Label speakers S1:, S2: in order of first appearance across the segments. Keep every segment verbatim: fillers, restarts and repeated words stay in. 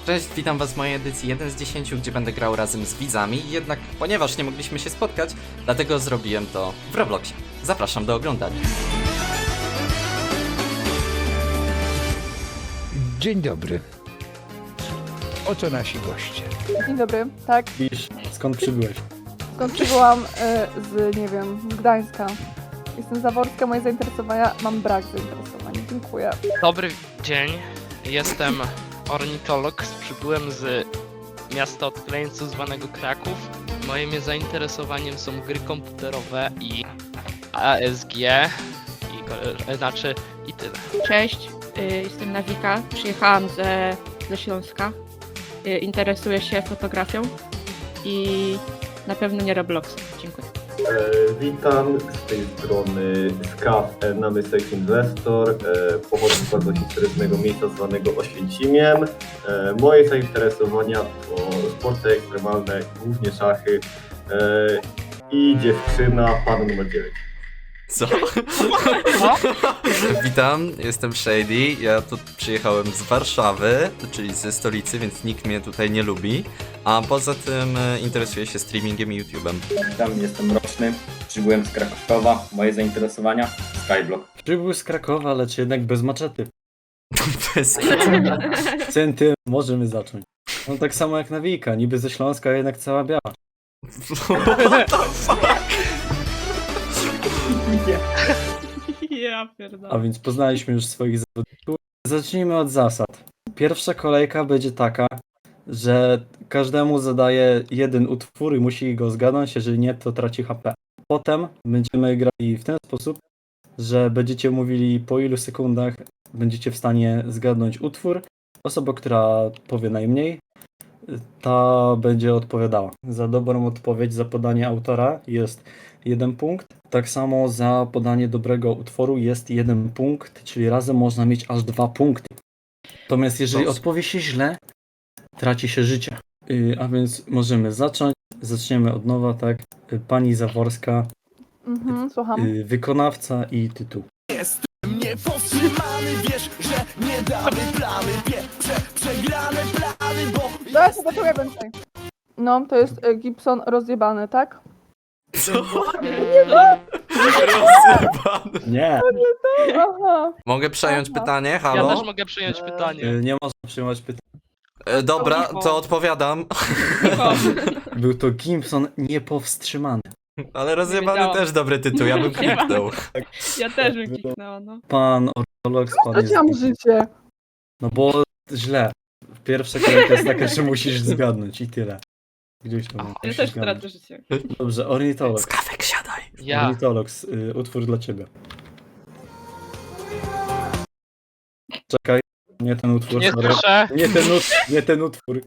S1: Cześć, witam was w mojej edycji jeden z dziesięciu, gdzie będę grał razem z widzami, jednak ponieważ nie mogliśmy się spotkać, dlatego zrobiłem to w Robloxie. Zapraszam do oglądania.
S2: Dzień dobry. Oto nasi goście.
S3: Dzień dobry, tak,
S4: Pisz, skąd przybyłeś?
S3: skąd przybyłam y, z, nie wiem, Gdańska. Jestem Zaworska, moje zainteresowania, mam brak zainteresowań, dziękuję.
S5: Dobry dzień, jestem ornitolog, przybyłem z miasta od krańcu zwanego Kraków. Moim zainteresowaniem są gry komputerowe i A S G, i, ko- znaczy i tyle.
S6: Cześć, y, jestem Nawika, przyjechałam ze, ze Śląska. Y, Interesuję się fotografią i na pewno nie Robloxem. Dziękuję.
S7: E, witam, z tej strony Skaw, namy Sex Investor, e, pochodzę z bardzo historycznego miejsca zwanego Oświęcimiem. E, moje zainteresowania to sporty ekstremalne, głównie szachy e, i dziewczyna, pan numer dziewięć.
S1: Co? Witam, jestem Shady, ja tu przyjechałem z Warszawy, czyli ze stolicy, więc nikt mnie tutaj nie lubi. A poza tym e, interesuję się streamingiem i YouTube'em.
S8: Witam, jestem Roczny, przybyłem z Krakowa, moje zainteresowania Skyblock.
S4: Przybył z Krakowa, lecz jednak bez maczety.
S1: Bez
S4: Centy, możemy zacząć. No tak samo jak Nawika, niby ze Śląska, a jednak cała biała.
S1: What the fuck?
S6: Ja
S4: A
S6: pierdolę.
S4: więc poznaliśmy już swoich zawodników. Zacznijmy od zasad. Pierwsza kolejka będzie taka, że każdemu zadaje jeden utwór i musi go zgadnąć, jeżeli nie, to traci H P. Potem będziemy grali w ten sposób, że będziecie mówili po ilu sekundach będziecie w stanie zgadnąć utwór. Osoba, która powie najmniej, ta będzie odpowiadała. Za dobrą odpowiedź, za podanie autora jest jeden punkt. Tak samo za podanie dobrego utworu jest jeden punkt, czyli razem można mieć aż dwa punkty. Natomiast jeżeli
S1: Dos.
S4: odpowie się źle, traci się życie. Yy, a więc możemy zacząć. Zaczniemy od nowa, tak? Yy, Pani Zaworska,
S3: Mhm, słucham.
S4: yy, wykonawca i tytuł.
S9: Niepowstrzymany, wiesz, że nie damy plany, pieprze, przegrane plany, bo
S3: Zaraz zobaczymy więcej. No, to jest y, Gibson rozjebany, tak?
S1: Co? Rozjebany.
S4: Nie!
S3: Aha.
S1: Mogę przejąć
S3: Aha.
S1: pytanie?
S5: Ja
S1: Halo?
S5: też mogę przyjąć pytanie.
S4: Yy, nie można przyjmować pytań.
S1: E, dobra, to odpowiadam.
S4: Był to Gibson niepowstrzymany.
S1: Ale rozjebany
S6: wiedziałam.
S1: też dobry tytuł, ja bym kliknął.
S6: Ja też bym kliknęła, no.
S4: Pan ornitolog spadł.
S3: Straciłam życie.
S4: No bo źle. Pierwsza kolejka jest taka, że musisz zgadnąć i tyle. Gdzieś tam.
S6: Ja
S4: musisz
S6: też
S4: zgadnąć.
S6: stracę życie.
S4: Dobrze, ornitolog.
S1: Skawek, siadaj.
S5: Ja.
S4: Ornitolog, y, utwór dla ciebie. Czekaj, nie ten utwór.
S5: Nie
S4: sorry.
S5: słyszę.
S4: Nie ten utwór, nie ten utwór.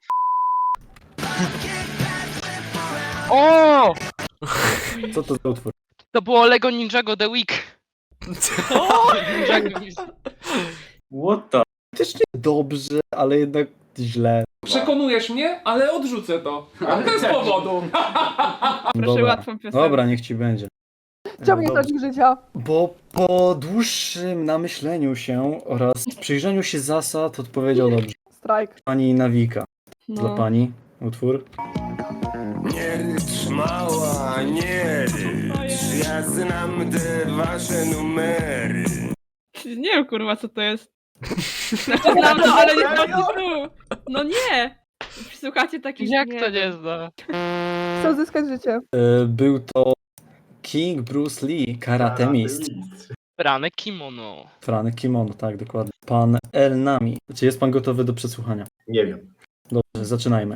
S5: O!
S4: Co to za utwór?
S5: To było Lego Ninjago The Week. Ninjago.
S8: What the?
S4: Faktycznie dobrze, ale jednak źle.
S10: Przekonujesz mnie, ale odrzucę to. Ale bez powodu.
S6: Proszę
S4: Dobra.
S6: łatwą piosenkę.
S4: Dobra, niech ci będzie.
S3: Chciałbym nie
S4: Dobrze.
S3: tracić życia.
S4: Bo po dłuższym namyśleniu się oraz przyjrzeniu się zasad odpowiedział dobrze.
S3: Strajk.
S4: Pani Nawika. Dla
S6: No.
S4: pani utwór.
S9: nie rycz mała, nie rycz, ja znam te wasze numery.
S6: Nie wiem kurwa co to jest. Znaczy znam to, ale nie znam tytułu. No nie! Słuchacie takich...
S5: Jak to nie zna?
S3: Chcę odzyskać życie.
S4: E, Był to King Bruce Lee, karate mistrz.
S5: Brane kimono.
S4: Franek Kimono, tak, dokładnie. Pan El Nami. Czy jest pan gotowy do przesłuchania?
S7: Nie wiem.
S4: Dobrze, zaczynajmy.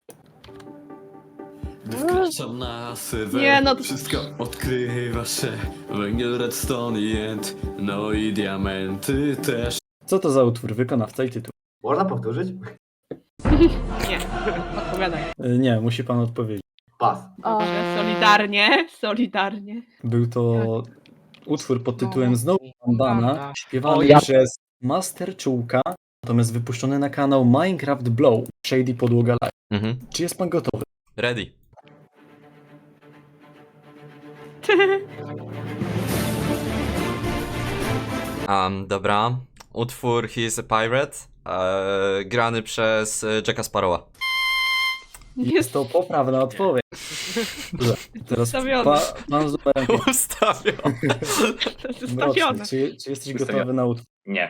S11: Wkraczam na serwer,
S6: Nie, no to-
S11: wszystko odkrywa się. Węgiel, redstone i jęt, no i diamenty też.
S4: Co to za utwór? Wykonawca i tytuł.
S7: Można powtórzyć?
S6: Nie, odpowiadaj.
S4: E, Nie, musi pan odpowiedzieć.
S7: Pas.
S3: A,
S6: Dobrze, solidarnie, solidarnie.
S4: Był to utwór pod tytułem Znowu Bandana, śpiewany
S5: O, ja-
S4: przez Master Czułka, natomiast wypuszczony na kanał Minecraft Blow, Shady Podłoga Live.
S1: Mhm.
S4: Czy jest pan gotowy?
S1: Ready. Um, dobra. Utwór He is a Pirate. E, grany przez e, Jacka Sparrowa.
S4: Jest to poprawna odpowiedź. Dobrze, teraz
S6: Ustawione.
S4: pa, pan z numerem pięć.
S1: Ustawiam.
S6: To jest ustawione.
S4: Mroczny, czy, czy jesteś
S8: Ustawione.
S4: gotowy na utwór?
S8: Nie.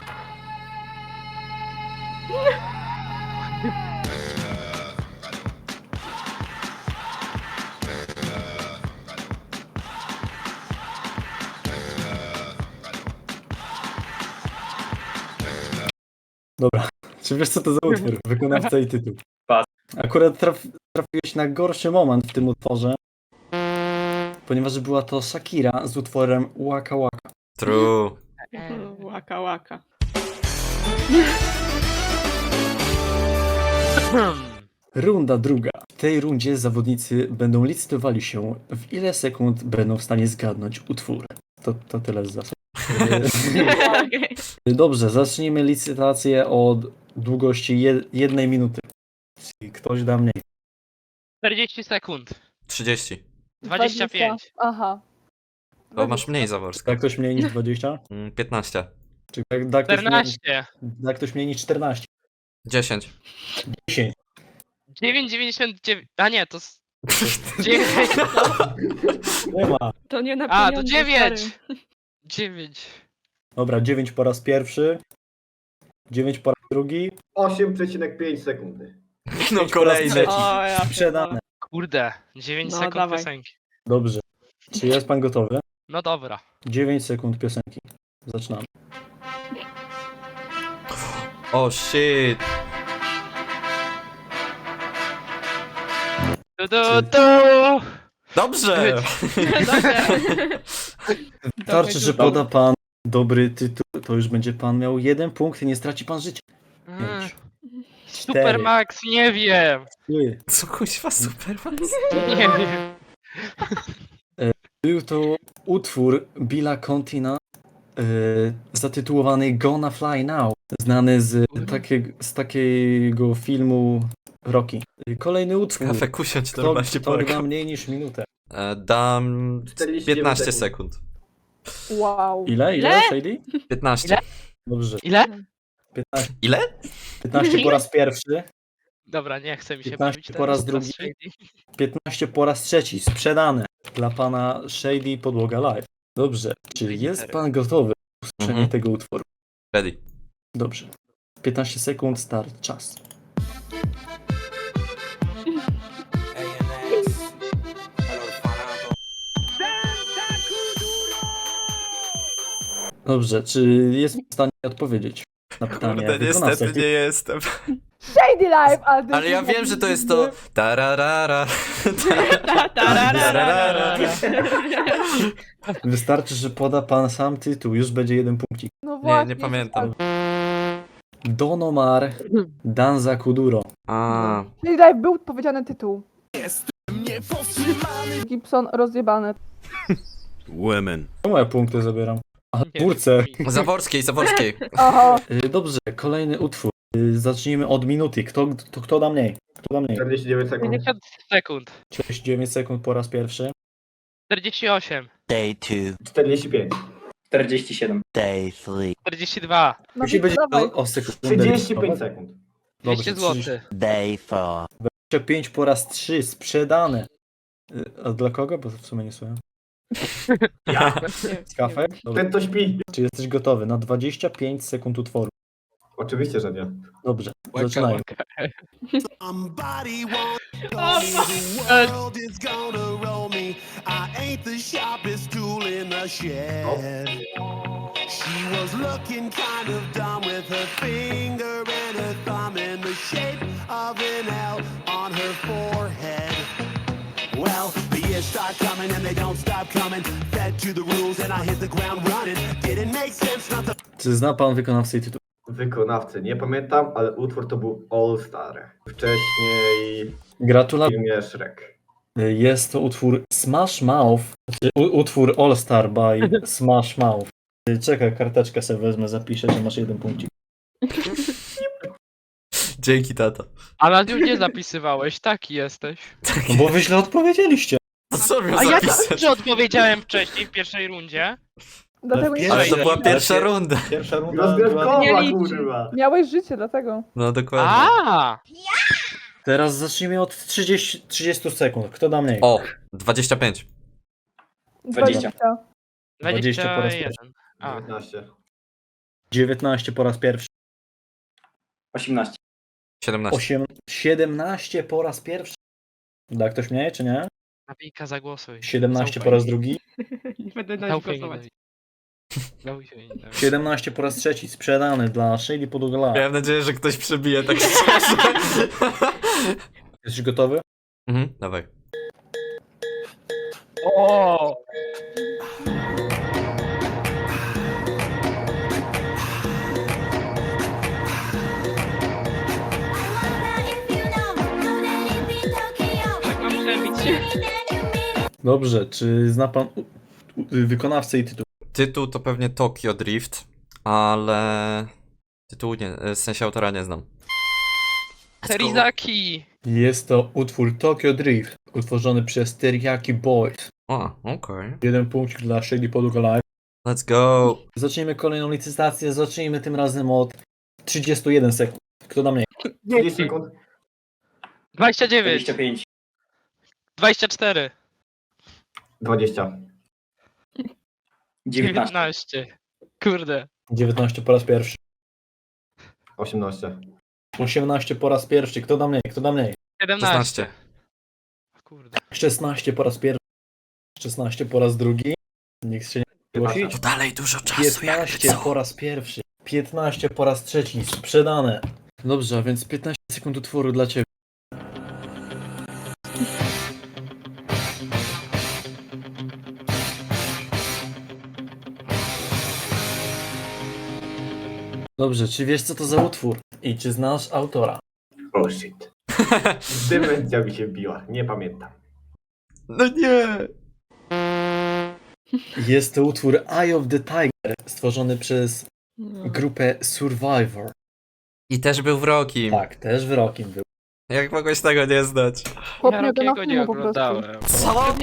S4: Dobra. Czy wiesz, co to za utwór? Wykonawca i tytuł.
S8: Pas.
S4: Akurat traf, trafiłeś na gorszy moment w tym utworze, ponieważ była to Shakira z utworem Waka Waka.
S1: True.
S6: Łaka, łaka.
S4: Runda druga. W tej rundzie zawodnicy będą licytowali się, w ile sekund będą w stanie zgadnąć utwór. To, to tyle z zasad.
S6: Okej.
S4: Dobrze, zacznijmy licytację od długości jed- jednej minuty. Czyli ktoś da mniej.
S5: czterdzieści sekund.
S1: trzydzieści.
S5: dwadzieścia pięć.
S3: Aha.
S1: To masz mniej Zaworska.
S4: Da ktoś mniej niż dwadzieścia?
S1: Mm, piętnaście.
S4: Czy da, da, ktoś, mniej,
S5: czternaście.
S4: da ktoś mniej niż czternaście?
S1: dziesięć.
S4: dziesięć.
S5: dziewięć dziewięćdziesiąt dziewięć. A nie, to. s- dziewięć.
S4: Nie ma.
S6: To nie na
S5: A, to
S6: pieniądze,
S5: dziewięć.
S6: stary.
S5: dziewięć.
S4: Dobra, dziewięć po raz pierwszy. dziewięć po raz drugi.
S7: osiem przecinek pięć sekundy.
S1: No kolejny.
S4: trzeci.
S6: O, ja
S4: Sprzedane.
S5: Kurde, dziewięć
S6: No,
S5: sekund
S6: dawaj.
S5: piosenki.
S4: Dobrze. Czy jest pan gotowy?
S5: No dobra.
S4: dziewięć sekund piosenki. Zaczynamy.
S1: O shit.
S5: Du, du, du.
S1: Dobrze.
S4: Wystarczy, że poda pan dobry tytuł, to już będzie pan miał jeden punkt i nie straci pan życia.
S5: Mm,
S4: Pięć.
S5: Super Max, nie wiem.
S4: Trzy.
S1: Co kuźwa Superman?
S5: Nie wiem.
S4: Był to utwór Billa Contina yy, zatytułowany Gonna Fly Now, znany z, takie, z takiego filmu Rocky. Kolejny utwór.
S1: Kafę kusiąć
S4: Kto,
S1: normalnie
S4: kto
S1: polegał.
S4: da mniej niż minutę.
S1: E, Dam
S7: czterdzieści
S1: piętnaście
S7: sekund.
S1: sekund.
S3: Wow.
S4: Ile? Ile,
S6: Ile?
S4: Shady?
S1: piętnaście.
S5: Ile?
S4: Dobrze.
S5: Ile?
S4: piętnaście,
S1: Ile?
S4: piętnaście po raz pierwszy,
S5: Dobra, nie chce mi się
S4: piętnaście
S5: bawić
S4: po raz
S5: teraz,
S4: drugi.
S5: Shady.
S4: piętnaście po raz trzeci. Sprzedane dla pana Shady Podłoga Live. Dobrze. Czy jest pan gotowy na usłyszenie
S1: Mhm.
S4: tego utworu?
S1: Ready.
S4: Dobrze. piętnaście sekund, start, czas. Dobrze, czy jest w stanie odpowiedzieć na pytanie
S1: Kurde,
S4: wykonawcy?
S1: niestety nie jestem.
S3: Shady Life! Ale,
S1: Ale ja wiem, że to jest to... Tararara.
S6: Ta, tararara.
S4: Wystarczy, że poda pan sam tytuł, już będzie jeden punkcik.
S3: No
S1: Nie,
S3: właśnie.
S1: nie pamiętam.
S4: Don Omar, Danza Kuduro.
S1: A,
S3: Shady Life był powiedziany tytuł.
S9: Niepowstrzymany
S3: Gibson rozjebane.
S11: Women.
S4: Czemu ja punkty zabieram? A,
S5: Nie
S4: twórcę.
S5: wiem.
S1: Zaworskiej, Zaworskiej.
S3: Aha.
S4: Y, Dobrze, kolejny utwór. Y, Zacznijmy od minuty. Kto, to kto da mniej? Kto da mniej?
S7: czterdzieści dziewięć sekund.
S5: pięćdziesiąt sekund.
S4: czterdzieści dziewięć sekund po raz pierwszy.
S5: czterdzieści osiem.
S9: Day two,
S7: czterdzieści pięć.
S8: czterdzieści siedem.
S9: day three,
S5: czterdzieści dwa.
S3: No
S4: Musi być
S3: dawaj.
S4: o, o sekundę.
S7: trzydzieści pięć
S4: listowa.
S7: sekund.
S5: dwieście
S4: Dobrze,
S5: złotych.
S9: day four,
S4: dwadzieścia pięć po raz trzy. Sprzedane. Y, A dla kogo? Bo w sumie nie słucham. Z kafę? Dobrze.
S7: Ten to śpi.
S4: Czy jesteś gotowy na dwadzieścia pięć sekund utworu?
S7: Oczywiście, że nie.
S4: Dobrze,
S5: Łaka,
S4: zaczynajmy.
S5: łaka.
S9: somebody won't
S5: O,
S9: know me,
S5: fuck.
S9: the world is gonna roll me. I ain't the sharpest tool in the shed. She was looking kind of dumb with her finger and her thumb in the shape of an L on her forehead. Well, the years start coming and they don't stop coming. Fed to the rules and I hit the ground running. Didn't make sense not to
S4: Czy zna pan wykonawcę i tytuł?
S7: Wykonawcy nie pamiętam, ale utwór to był All Star. Wcześniej w
S4: Gratulacje.
S7: filmie Shrek.
S4: Jest to utwór Smash Mouth, znaczy u- utwór All Star by Smash Mouth. Czekaj, karteczkę sobie wezmę, zapiszę, że masz jeden punkcik.
S1: Dzięki, tato.
S5: A na nią nie zapisywałeś, taki jesteś.
S4: No bo wy źle odpowiedzieliście.
S1: To co miał
S5: A ja
S1: zapisać?
S5: dobrze odpowiedziałem wcześniej w pierwszej rundzie.
S3: Dlatego nie
S1: Ale to była
S4: Ale
S1: pierwsza
S4: pier-
S1: runda.
S4: Pierwsza runda była...
S7: Rozgrywkowa,
S6: Nie liczy.
S7: kurwa.
S3: miałeś życie, dlatego.
S1: No dokładnie.
S5: A!
S4: Teraz zacznijmy od trzydziestu, trzydziestu sekund. Kto da mniej?
S1: O, dwadzieścia pięć.
S8: Dwadzieścia.
S4: dwadzieścia po raz
S5: dwadzieścia jeden. A,
S7: dziewiętnaście.
S4: dziewiętnaście po raz pierwszy.
S8: osiemnaście.
S1: siedemnaście.
S4: osiem, siedemnaście po raz pierwszy. Da ktoś mniej, czy nie?
S5: Nawika, zagłosuj.
S4: siedemnaście po
S5: Zaufaj
S4: raz
S5: mi.
S4: drugi.
S6: Nie będę na nich
S5: Zaufaj mi,
S6: głosować.
S5: Nawika. Zaufaj mi, Nawika.
S4: siedemnaście po raz trzeci. Sprzedany dla Shady Podugala.
S1: Miałem nadzieję, że ktoś przebije tak szczerze.
S4: Jesteś gotowy?
S1: Mhm, dawaj.
S5: O!
S6: Tak mam przebić.
S4: Dobrze, czy zna pan u- u- wykonawcę i tytuł?
S1: Tytuł to pewnie Tokyo Drift, ale tytułu nie, w sensie autora nie znam.
S5: Terizaki!
S4: Jest to utwór Tokyo Drift, utworzony przez Teriyaki Boys.
S1: O, okej.
S4: Jeden punkt dla Shady Podugala.
S1: Let's go.
S4: Zacznijmy kolejną licytację. Zacznijmy tym razem od trzydziestu jeden sekund. Kto da mniej?
S7: trzydzieści sekund.
S5: dwadzieścia dziewięć.
S8: dwadzieścia pięć.
S5: dwadzieścia cztery.
S7: dwadzieścia.
S8: dziewiętnaście.
S5: dziewiętnaście. Kurde.
S4: dziewiętnaście po raz pierwszy.
S7: osiemnaście.
S4: osiemnaście po raz pierwszy. Kto da mniej? Kto da mniej?
S5: siedemnaście. Kurde.
S4: szesnaście po raz pierwszy. szesnaście po raz drugi. Nikt się nie zgłosić.
S1: To dalej dużo czasu, jakby
S4: piętnaście
S1: co.
S4: po raz pierwszy. piętnaście po raz trzeci. Sprzedane. Dobrze, a więc piętnaście sekund utworu dla ciebie. Dobrze, czy wiesz co to za utwór? I czy znasz autora?
S7: Oh shit. Demencja mi się biła, nie pamiętam.
S1: No nie.
S4: Jest to utwór Eye of the Tiger, stworzony przez grupę Survivor.
S1: I też był w Rokim.
S4: Tak, też w Rockim był.
S1: Jak mogłeś tego nie znać?
S3: Chłop
S5: Ja
S3: nie ogląda
S5: Rockiego nie
S3: filmu po prostu.
S5: oglądałem.
S1: Co?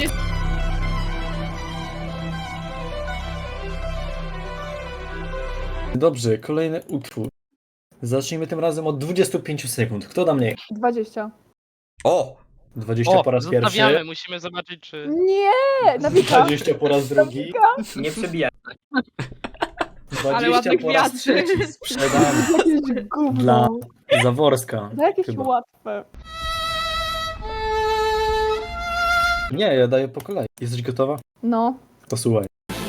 S4: Dobrze, kolejny utwór. Zacznijmy tym razem od dwudziestu pięciu sekund. Kto da mniej?
S3: dwadzieścia.
S1: O!
S4: dwadzieścia
S5: O,
S4: po raz
S5: zostawiamy,
S4: pierwszy.
S5: musimy zobaczyć czy...
S3: Nie! Nawika!
S4: dwadzieścia po raz drugi.
S8: Nie przebijaj.
S4: dwadzieścia
S6: ładne
S4: po raz
S6: gwiazdy.
S4: trzeci. Sprzedany.
S3: Jakieś gówno.
S4: Dla Zaworska.
S3: No jakieś
S4: chyba.
S3: łatwe.
S4: Nie, ja daję po kolei. Jesteś gotowa?
S3: No.
S4: To słuchaj.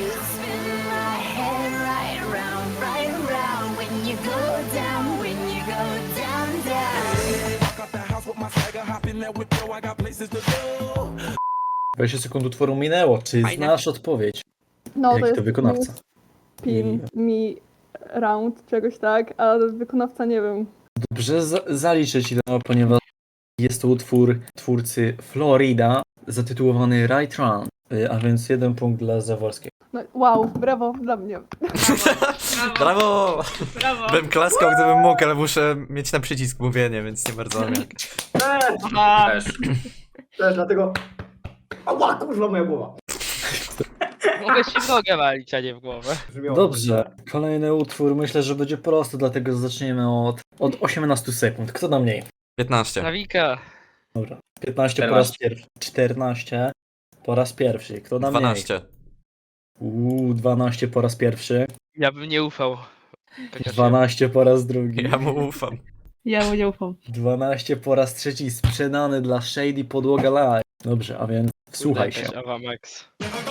S4: dwadzieścia sekund utworu minęło. Czy znasz odpowiedź?
S3: No
S4: Jak
S3: to
S4: to
S3: jest
S4: wykonawca?
S3: Pin me round, czegoś tak, a wykonawca nie wiem.
S4: Dobrze, za- zaliczę ci to, ponieważ jest to utwór twórcy Florida zatytułowany Right Run, y, a więc jeden punkt dla Zaworskiego.
S3: No, wow, brawo dla mnie.
S1: Brawo!
S6: Brawo.
S1: Bym klaskał, gdybym mógł, ale muszę mieć na przycisk mówienie, więc nie bardzo mam jak.
S8: Też.
S7: Też dlatego... Ała, kurwa moja głowa.
S5: Mogę się w nogę walić, a nie w głowę.
S7: Brzmiało
S4: Dobrze, kolejny utwór myślę, że będzie prosty, dlatego zaczniemy od, od osiemnastu sekund. Kto da mniej?
S1: piętnaście.
S5: Nawika.
S4: Dobra, piętnaście po raz pierwszy. czternaście po raz pierwszy. Kto da mniej?
S1: dwanaście.
S4: Uuu, dwanaście po raz pierwszy.
S5: Ja bym nie ufał. Chociaż
S4: dwanaście po raz drugi.
S1: Ja mu ufam.
S6: Ja mu nie ufam.
S4: dwanaście po raz trzeci sprzedany dla Shady Podłoga Live. Dobrze, a więc
S5: ja-
S4: wsłuchaj się.
S5: Jakaś Ava Max.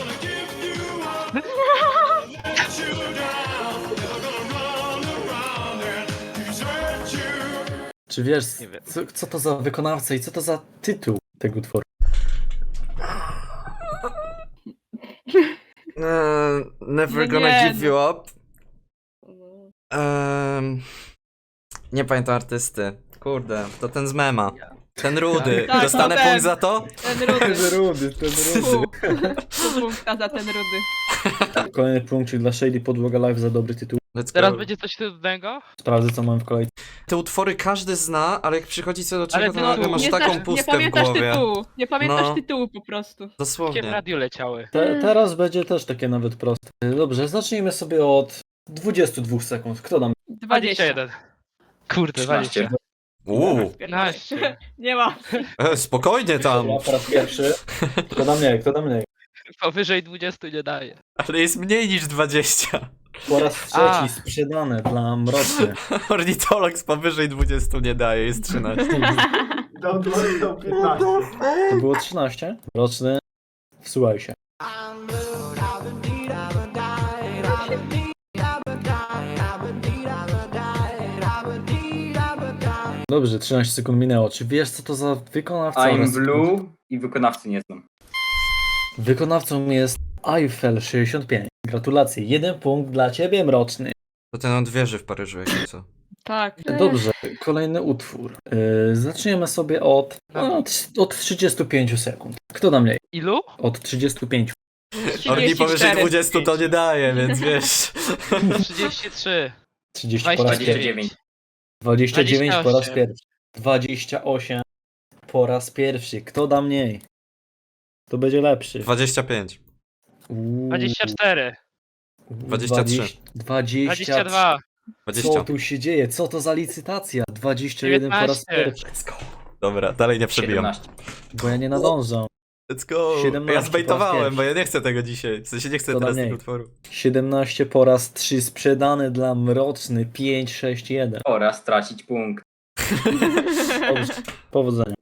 S4: Czy wiesz,
S5: Nie wiem.
S4: co, co to za wykonawca i co to za tytuł tego utworu?
S1: Eee, never
S6: No
S1: gonna
S6: nie,
S1: give you up. Ehm, nie pamiętam artysty. Kurde, to ten z mema. Ten rudy.
S6: Tak,
S1: Dostanę
S6: to ten.
S1: punkt za to?
S6: Ten rudy.
S4: Ten rudy, ten
S6: Pół. Pół punkta za ten rudy.
S4: Kolejny punkcik dla Shady Podłoga Live za dobry tytuł.
S1: Let's
S5: Teraz
S1: go.
S5: będzie coś trudnego?
S4: Sprawdzę co mam w kolejce.
S1: Te utwory każdy zna, ale jak przychodzi co do czego,
S5: Ale
S1: to
S5: ty
S1: nagle
S5: no,
S1: masz
S6: nie,
S1: taką
S6: znasz, nie
S1: pustkę w
S6: pamiętasz
S1: głowie.
S6: tytułu. Nie pamiętasz
S1: No.
S6: tytułu po prostu.
S5: Gdzie w
S1: Dosłownie.
S5: radiu leciały?
S4: Te, teraz będzie też takie nawet proste. Dobrze, zacznijmy sobie od dwudziestu dwóch sekund. Kto nam?
S5: dwadzieścia
S6: dwadzieścia.
S5: jeden. Kurde,
S8: trzynaście.
S5: dwadzieścia.
S1: Uuu,
S5: piętnaście.
S6: Nie ma.
S1: e, spokojnie tam.
S4: Ja po raz pierwszy. Kto da mniej, kto da mniej?
S5: Powyżej dwudziestu nie daje.
S1: Ale jest mniej niż dwadzieścia.
S4: Po raz trzeci
S5: A.
S4: sprzedane dla Mroczny.
S1: Ornitolog z powyżej dwudziestu nie daje, jest trzynaście.
S7: Dał dał piętnaście.
S4: To było trzynaście. Mroczny, wsłuchaj się. Dobrze, trzynaście sekund minęło. Czy wiesz co to za wykonawca?
S8: I'm
S4: oraz-
S8: Blue i wykonawcy nie znam.
S4: Wykonawcą jest Eiffel sześćdziesiąt pięć. Gratulacje, jeden punkt dla ciebie, Mroczny.
S1: To ten od wieży w Paryżu, jak co.
S6: Tak.
S4: Dobrze, kolejny utwór. Yy, zaczniemy sobie od, od, od trzydziestu pięciu sekund. Kto da mniej?
S5: Ilu?
S4: Od trzydziestu pięciu.
S1: Orni powyżej
S6: cztery.
S1: dwudziestu to nie daje, więc wiesz.
S5: trzydzieści trzy.
S4: trzydzieści po raz
S5: dwadzieścia
S4: pierwszy.
S8: dziewięć.
S4: dwadzieścia dziewięć po raz
S5: dwadzieścia osiem.
S4: pierwszy. dwadzieścia osiem po raz pierwszy. Kto da mniej? To będzie lepszy.
S1: dwadzieścia pięć.
S4: Uuu,
S5: dwadzieścia cztery.
S1: dwadzieścia trzy.
S4: dwadzieścia
S5: dwadzieścia dwa.
S4: Co
S1: dwadzieścia.
S4: tu się dzieje? Co to za licytacja? dwadzieścia jeden po raz
S5: dziewiętnaście.
S4: pierwszy.
S1: Dobra, dalej nie przebijam.
S8: siedemnaście.
S4: Bo ja nie nadążam.
S1: Let's go.
S4: siedemnaście
S1: Ja
S4: po
S1: zbejtowałem,
S4: raz
S1: bo ja nie chcę tego dzisiaj. W sensie nie chcę
S4: To
S1: teraz
S4: mniej.
S1: tego utworu.
S4: siedemnaście po raz trzy sprzedane dla Mroczny. pięć sześć jeden.
S8: Oraz stracić punkt.
S4: Dobrze. Powodzenia.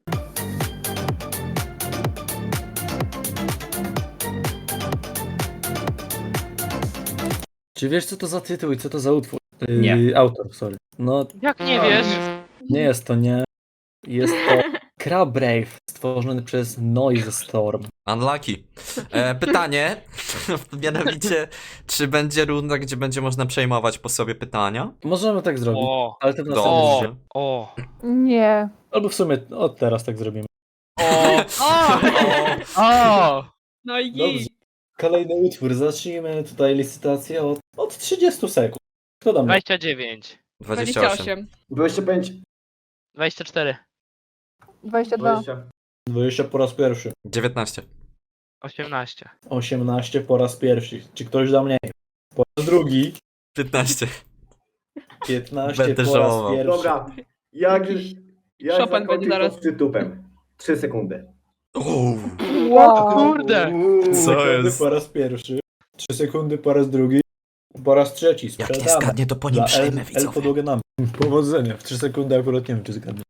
S4: Czy wiesz co to za tytuł i co to za utwór? Yy,
S8: Nie.
S4: Autor, sorry. No
S5: Jak nie wiesz?
S4: nie jest to nie. Jest to Crab Brave stworzony przez Noise Storm.
S1: Unlucky. E, pytanie, mianowicie, czy będzie runda, gdzie będzie można przejmować po sobie pytania?
S4: Możemy tak zrobić.
S5: O,
S4: Alternatywnie.
S5: o,
S1: Dobrze.
S5: o,
S3: Nie.
S4: Albo w sumie od teraz tak zrobimy.
S5: o, o, o.
S6: No i
S4: Dobrze.
S6: git.
S4: Kolejny utwór. Zacznijmy tutaj licytację od, od trzydziestu sekund. Kto da mnie?
S5: dwadzieścia dziewięć.
S1: dwadzieścia
S6: dwadzieścia
S1: osiem.
S6: osiem.
S7: dwadzieścia pięć.
S5: dwadzieścia cztery.
S3: dwadzieścia dwa.
S7: dwadzieścia.
S4: dwadzieścia po raz pierwszy.
S1: dziewiętnaście.
S5: osiemnaście.
S4: osiemnaście po raz pierwszy. Czy ktoś da mniej? Po raz drugi.
S1: piętnaście.
S4: piętnaście
S1: Będę
S4: po
S1: żałował.
S4: raz pierwszy.
S7: Dobra. Jak, jak
S6: Chopin będzie
S7: zakończyć
S6: zaraz.
S7: pod tytupem? trzy sekundy.
S1: Uuu.
S3: Wow.
S5: Kurde.
S1: Co
S4: Sekundy
S1: jest?
S4: po raz pierwszy. trzy sekundy po raz drugi. Po raz trzeci.
S1: Jak nie
S4: Sprzedamy.
S1: zgadnie, to po nim
S4: Dla
S1: przejmę,
S4: L, L
S1: widzowie.
S4: podłogę nam. Powodzenia. W trzy sekundy akurat nie wiem, czy zgadnę.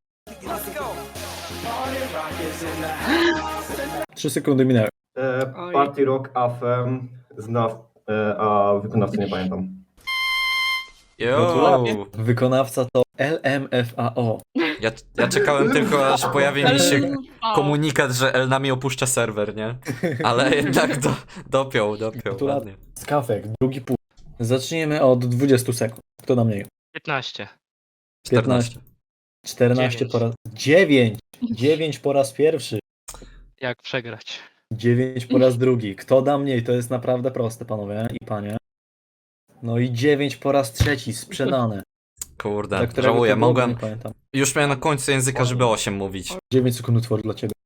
S4: trzy sekundy minęły.
S7: E,
S6: Oj.
S7: Party Rock A F M zna, e, a wykonawcy nie pamiętam.
S1: Yo.
S4: Wykonawca to L M F A O.
S1: Ja, ja czekałem tylko, aż pojawi mi się
S6: O.
S1: komunikat, że El nami opuszcza serwer, nie? Ale jednak do, dopiął, dopiął, ładnie.
S4: Skafek, drugi pół. Zacznijmy od dwudziestu sekund. Kto da mniej?
S5: piętnaście.
S1: czternaście.
S4: czternaście
S5: dziewięć.
S4: po raz... dziewięć! dziewięć po raz pierwszy.
S5: Jak przegrać?
S4: dziewięć po raz drugi. Kto da mniej? To jest naprawdę proste, panowie i panie. No i dziewięć po raz trzeci. Sprzedane. Dla
S1: Kurde,
S4: którego
S1: żałuję,
S4: to było,
S1: mogłem...
S4: Nie pamiętam.
S1: Już miałem na końcu języka, żeby osiem mówić.
S4: dziewięć sekund utworu dla ciebie.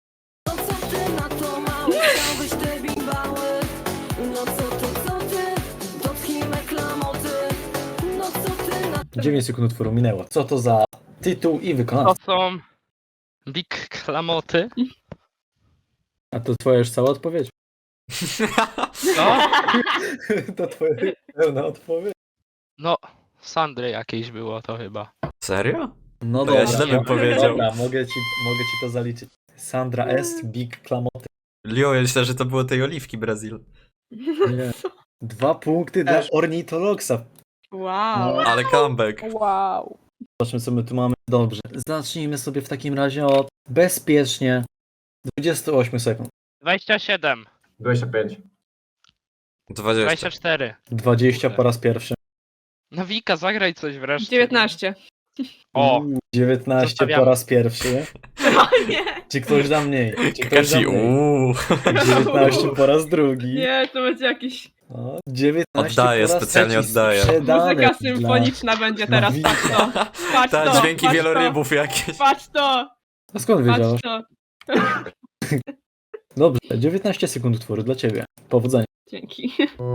S4: dziewięć sekund utworu minęło. Co to za tytuł i
S5: To
S4: wykonawca?
S5: są Big Klamoty.
S4: A to twoja już cała odpowiedź.
S5: No,
S4: To twoja pełna odpowiedź.
S5: no, Sandry jakieś było to chyba.
S1: Serio?
S4: No
S1: To ja
S4: dobra.
S1: źle bym powiedział.
S4: Dobra, mogę ci, mogę ci to zaliczyć. Sandra S. Big Klamoty.
S1: Lio, ja myślę, że to było tej oliwki Brazil.
S4: Nie. Dwa punkty dla Ornitologsa.
S6: Wow.
S1: Ale comeback.
S3: Wow.
S4: Zobaczmy, co my tu mamy. Dobrze. Zacznijmy sobie w takim razie od bezpiecznie dwudziestu ośmiu sekund.
S5: dwadzieścia siedem.
S7: dwadzieścia pięć.
S1: dwadzieścia.
S5: dwadzieścia cztery.
S4: dwadzieścia
S5: Kurde.
S4: po raz pierwszy.
S5: No Wika, zagraj coś wreszcie.
S6: dziewiętnaście.
S5: O,
S4: Uuu, dziewiętnaście
S5: Zostawiamy.
S4: po raz pierwszy.
S6: O nie!
S4: Czy ktoś da mniej? Czy ktoś da
S1: Kakashi,
S4: mniej?
S1: uuu.
S4: dziewiętnaście po raz drugi.
S6: Nie, to będzie jakiś...
S4: O, dziewiętnaście
S1: Oddaję,
S4: po raz
S1: specjalnie
S4: trzeci.
S1: oddaję.
S4: Sprzedane
S6: Muzyka
S4: dla-
S6: symfoniczna będzie teraz,
S4: Nawika.
S6: patrz to! Patrz
S1: Ta,
S6: to!
S1: dźwięki
S6: patrz
S1: wielorybów jakieś.
S6: To, patrz to!
S4: A skąd wiedziałeś?
S6: Patrz to!
S4: Dobrze, dziewiętnaście sekund utworu dla ciebie. Powodzenia.
S6: Dzięki.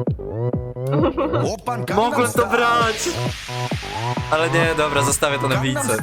S1: Mogłem to brać! Ale nie, dobra, zostawię to na wice.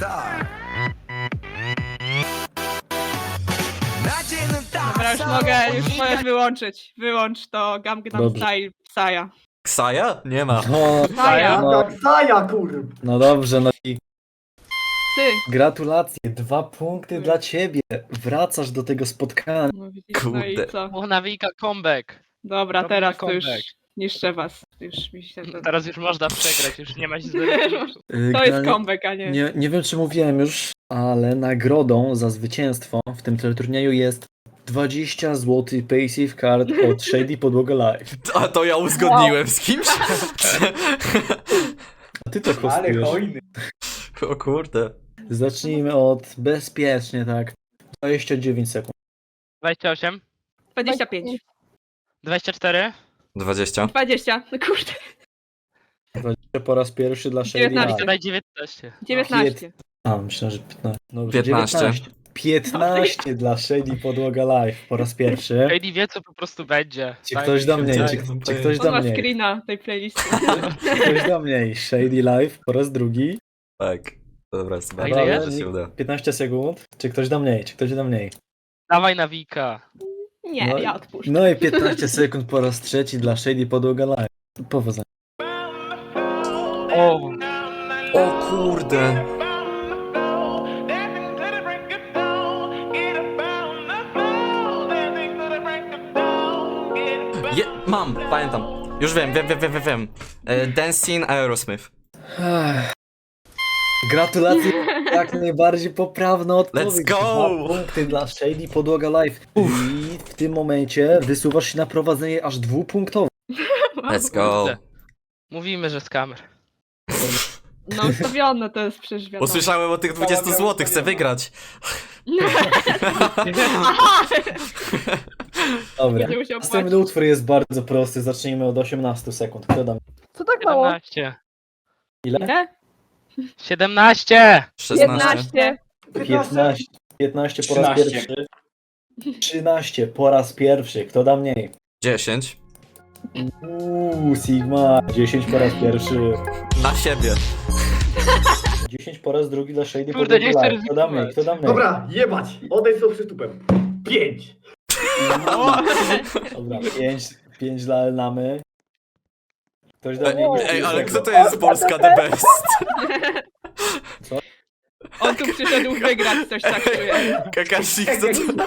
S6: Dobra, już mogę, już możesz wyłączyć. Wyłącz to Gangnam
S4: Dobrze.
S6: Style Psaja.
S1: Ksaja? Nie ma.
S4: No,
S6: Psaja?
S4: no,
S7: Saja, kur...
S4: no dobrze, no i
S6: Ty!
S4: gratulacje. Dwa punkty dla ciebie. Wracasz do tego spotkania.
S6: No widzisz, no i
S1: Kurde.
S6: co?
S5: o nawika comeback.
S6: Dobra,
S5: Robimy
S6: teraz to już
S5: comeback.
S6: niszczę was. Już mi się to...
S5: Teraz już można przegrać, już nie ma nic do
S4: Yy,
S6: To jest
S4: generalnie
S6: comeback, a nie...
S4: Nie, nie wiem, czy mówiłem już, ale nagrodą za zwycięstwo w tym teleturnieju jest dwadzieścia złotych Paysafe Card od Shady Podłoga Live.
S1: A to ja uzgodniłem z kimś?
S4: A ty to hostujesz.
S1: O kurde.
S4: Zacznijmy od bezpiecznie, tak. dwadzieścia dziewięć sekund.
S5: dwadzieścia osiem,
S6: dwadzieścia pięć.
S5: dwadzieścia cztery,
S1: dwadzieścia.
S6: dwadzieścia. No kurde.
S4: dwadzieścia po raz pierwszy dla Shady
S6: dziewiętnaście.
S4: Live.
S5: daj dziewiętnaście.
S6: dziewiętnaście.
S4: A, myślę, że piętnaście. Dobrze,
S1: piętnaście.
S4: dziewiętnaście. piętnaście dla Shady Podłoga Live po raz pierwszy.
S5: J D wie co po prostu będzie.
S4: Czy
S5: Daj
S4: ktoś
S5: mi
S4: da
S5: się
S4: mniej? Czy,
S5: wdać.
S4: czy ktoś
S6: On
S4: da
S6: ma
S4: mniej?
S6: screena tej playlisty.
S4: Czy ktoś da mniej? Shady Live po raz drugi.
S1: Tak. Dobra,
S5: A
S1: zobaczmy,
S5: ile
S1: że
S4: jest?
S1: się uda.
S4: piętnaście sekund. Czy ktoś da mniej? Czy ktoś da mniej?
S5: Dawaj nawika.
S6: Nie,
S4: No,
S6: ja odpuszczę.
S4: No i piętnaście sekund po raz trzeci dla Shady Podłoga Live. Powodzenia.
S5: O,
S1: O kurde. Je, mam, pamiętam. Już wiem, wiem, wiem, wiem, wiem, wiem. E, Dancing Aerosmith.
S4: Ech. Gratulacje, jak najbardziej poprawna odpowiedź.
S1: Let's go!
S4: Dwa punkty dla Shady Podłoga Live. I w tym momencie wysuwasz się na prowadzenie aż dwupunktowe.
S1: Let's go.
S5: Kurde. Mówimy, że z kamer.
S6: No ustawione to jest przecież wiadomo.
S1: Usłyszałem o tych dwudziestu złotych, chcę wygrać.
S6: Aha!
S4: Dobra.
S6: Będzie musiał
S4: Następny
S6: płacić.
S4: utwór jest bardzo prosty. Zacznijmy od osiemnastu sekund. Kto da?
S3: Co tak mało?
S5: siedemnaście.
S4: Ile?
S6: Ile?
S5: siedemnaście!
S1: szesnaście.
S3: piętnaście.
S4: piętnaście. piętnaście po raz
S8: trzynaście.
S4: pierwszy. trzynaście po raz pierwszy. Kto da mniej?
S1: dziesięć.
S4: Uuu, Sigma. dziesięć po raz pierwszy.
S1: Na siebie.
S4: dziesięć po raz drugi dla Shady
S5: Kurde,
S4: Podłoga
S5: nie chcę
S4: Live. Kto da mniej? Kto da mniej?
S7: Dobra, jebać! Odejdź sobie przytupem. Pięć!
S4: Dobra, pięć, pięć dla Elnamy. Ktoś da
S1: Ej,
S4: mniej?
S1: ej, ale kto to jest Polska the best?
S6: On tu przyszedł wygrać, coś tak czuję.
S1: Kakashi, kto to...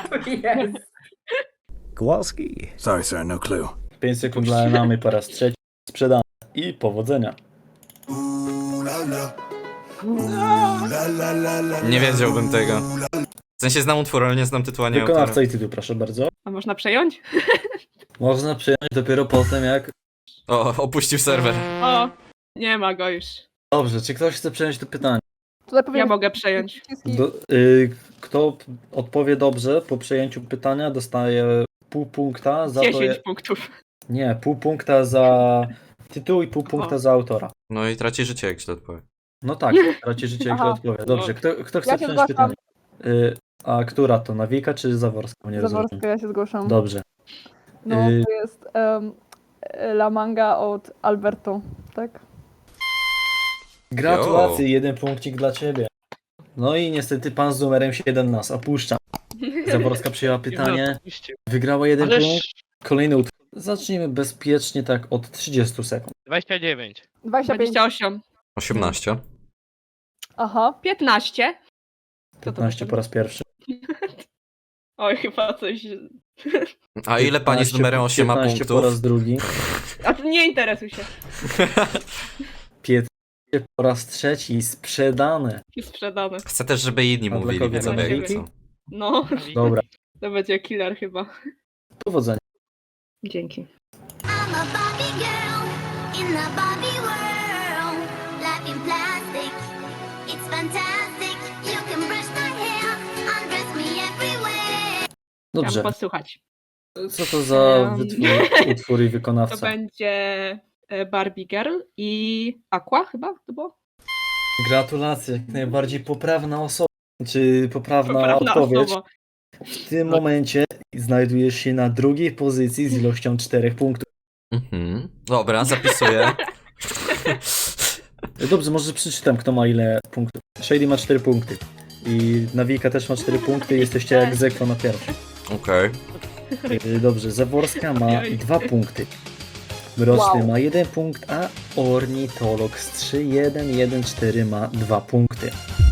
S2: Kowalski. Sorry, sir, no clue.
S4: pięć sekund dla Elnamy po raz trzeci. Sprzedane. I powodzenia.
S1: Nie wiedziałbym tego. W sensie znam utwór, ale nie znam tytułu ani autora.
S4: Wykonawca i tytuł, proszę bardzo.
S6: A można przejąć?
S4: Można przyjąć dopiero potem, jak...
S1: O, opuścił serwer.
S6: O, nie ma go już.
S4: Dobrze, czy ktoś chce przejąć to pytanie?
S3: Tutaj
S6: Ja
S3: powiem
S6: mogę przejąć.
S4: Do, y, kto odpowie dobrze po przejęciu pytania, dostaje pół punkta za to...
S6: dziesięć punktów.
S4: Nie, pół punkta za tytuł i pół punkta
S6: O.
S4: za autora.
S1: No i traci życie, jak źle odpowie.
S4: No tak, traci życie, jak źle
S3: Aha.
S4: odpowie. Dobrze, kto, kto chce
S3: Ja się
S4: przejąć
S3: zgłaszam.
S4: pytanie? Y, a która to, Nawika czy Zaworska? Nie rozumiem.
S3: Zaworska, ja się zgłaszam.
S4: Dobrze.
S3: No,
S4: Y-
S3: to jest um, La Manga od Alberto, tak?
S4: Gratulacje, jeden punkcik dla ciebie. No i niestety pan z numerem siedem nas opuszcza. Zaworska przyjęła pytanie, wygrała jeden
S5: Ależ
S4: punkt. Kolejny utwór. Zacznijmy bezpiecznie tak od trzydziestu sekund.
S5: dwadzieścia dziewięć.
S3: dwadzieścia pięć.
S6: dwadzieścia osiem.
S1: osiemnaście.
S3: Aha.
S6: piętnaście. Co to
S4: piętnaście po raz pierwszy.
S6: Oj, chyba coś...
S1: A ile pani z
S4: piętnaście
S1: numerem osiem ma
S4: piętnaście po raz
S1: punktów?
S4: drugi.
S6: A to nie interesuj się.
S4: piętnaście po raz trzeci. Sprzedane.
S6: Jest sprzedane.
S1: Chcę też, żeby inni
S4: A dla
S1: mówili,
S4: kogo?
S1: widzowie,
S6: Dla
S1: jak
S6: ciebie?
S1: chcą.
S6: No,
S4: Dobra,
S6: to będzie killer chyba.
S4: powodzenia.
S6: Dzięki.
S9: I'm a Barbie girl in the Barbie world. Life in plastic, it's fantastic.
S6: Chciałam
S4: Dobrze,
S6: posłuchać.
S4: co to za
S6: Em.
S4: wytwór, utwór i
S6: To
S4: wykonawca?
S6: będzie e, Barbie Girl i Aqua chyba to było?
S4: Gratulacje, jak najbardziej poprawna osoba, czy poprawna,
S6: Poprawna
S4: odpowiedź.
S6: osoba.
S4: W tym
S6: No.
S4: momencie znajdujesz się na drugiej pozycji z ilością czterech punktów.
S1: Mhm. Dobra, zapisuję.
S4: Dobrze, może przeczytam, kto ma ile punktów. Shady ma cztery punkty. I Nawika też ma cztery punkty, jesteście jak Zekwo na pierwszym.
S1: Okej.
S4: Yy, Dobrze, Zaworska ma
S6: Ojej.
S4: dwa punkty. Mroczny
S3: Wow.
S4: ma jeden punkt, a Ornitolog z trzy jeden jeden cztery ma dwa punkty.